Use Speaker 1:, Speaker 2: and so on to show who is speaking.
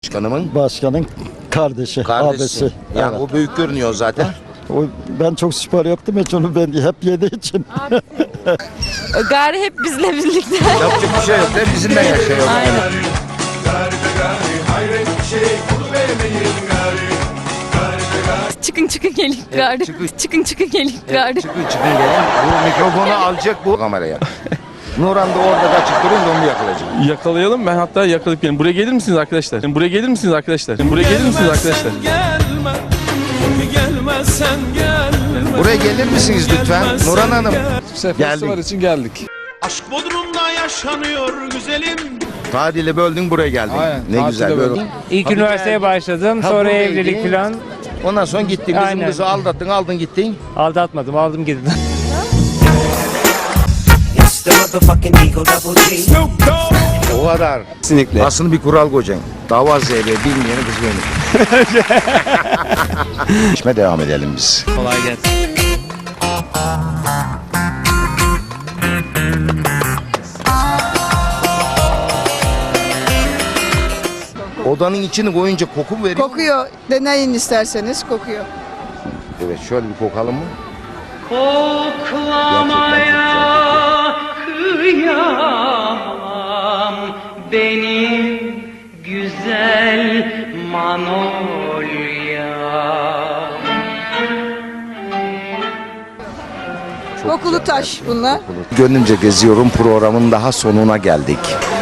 Speaker 1: Başkanın kardeşi. Abisi.
Speaker 2: Yani
Speaker 1: Evet.
Speaker 2: o büyük görünüyor zaten.
Speaker 1: Ben çok spor yaptım hiç onu ben hep yediği için.
Speaker 3: Gari hep bizle birlikte.
Speaker 2: Yapacak bir şey yok. Hep bizimle yaşıyor.
Speaker 3: Aynen. Çıkın gelin gari. Çıkın gelin gari.
Speaker 2: Çıkın gelin. Bu mikrofonu alacak bu kameraya. Nuran da orada kaçıp duruyor da onu yakalayacak.
Speaker 4: Yakalayalım, ben hatta yakalayıp gelin. Buraya gelir misiniz arkadaşlar? Buraya gelir misiniz arkadaşlar? Buraya gelir misiniz arkadaşlar?
Speaker 2: Buraya gelir misiniz lütfen? Nuran Hanım.
Speaker 4: Festival için geldik.
Speaker 5: Aşk Bodrum'da yaşanıyor güzelim.
Speaker 2: Tadili böldün buraya geldin.
Speaker 4: Aynen,
Speaker 2: Ne güzel böyle.
Speaker 6: İlk üniversiteye başladım.
Speaker 2: Ha,
Speaker 6: Sonra
Speaker 2: buraya
Speaker 6: evlilik
Speaker 2: gidin.
Speaker 6: falan.
Speaker 2: Ondan sonra gittin bizim
Speaker 6: Aynen.
Speaker 2: kızı aldattın aldın gittin.
Speaker 6: Aldatmadım. Aldım gittim.
Speaker 2: O kadar.
Speaker 4: Kesinlikle.
Speaker 2: Aslında bir kural koyacaksın. Dava zeybe bilmeyeni kız benim. İşime devam edelim biz.
Speaker 6: Kolay gelsin.
Speaker 2: Odanın içini koyunca koku mu veriyor?
Speaker 7: Kokuyor. Deneyin isterseniz kokuyor.
Speaker 2: Evet şöyle bir kokalım mı?
Speaker 8: Koklamaya kıyamam benim güzel Manolya.
Speaker 7: Kokulu taş bunlar.
Speaker 2: Gönlümce geziyorum programın daha sonuna geldik.